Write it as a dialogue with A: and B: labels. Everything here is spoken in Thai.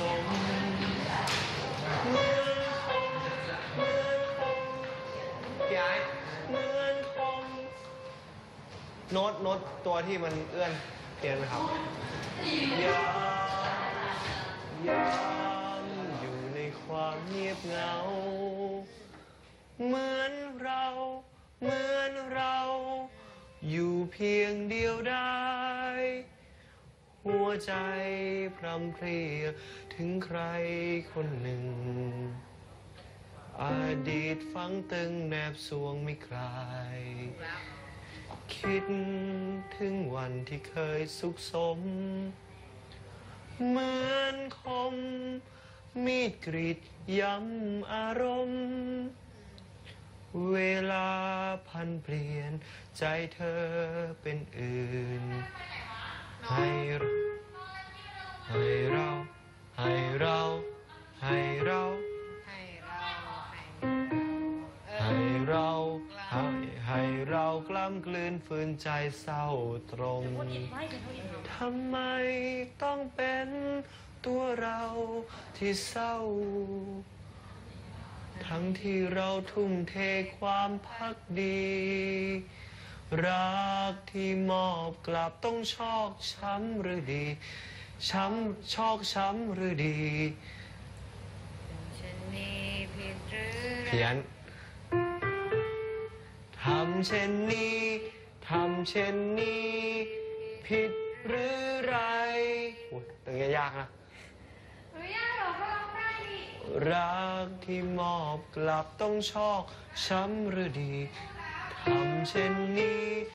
A: มเหมือนคมเหมือนคมพี่ไอ้เหมือนคมโน้ตตัวที่มันเอื้อนเพี้ยนไหมครับยามอยู่ในความเงียบเหงาเหมือนเราอยู่เพียงเดียวได้หัวใจพรำเพรียถึงใครคนหนึ่งอดีตฝังตึงแนบสวงไม่คลายคิดถึงวันที่เคยสุขสมเหมือนคมมีดกรีดย้ำอารมณ์เวลาพันเปลี่ยนใจเธอเป็นอื่นให้เรากล้ำกลืนฝืนใจเศร้าตรงทำไมต้องเป็นตัวเราที่เศร้าทั้งที่เราทุ่มเทความพักดีรักที่มอบกลับต้องชอกช้ำหรือดีชอกช้ำหรือดีเพี้ยนทำเช่นนี้ผิดหรือไรโอ้ยตรงนี้ยากนะ
B: ไม่ยากหรอกเขาร้องได้ดิ
A: รักที่มอบกลับต้องชอกช้ำหรือดีทำเช่นนี้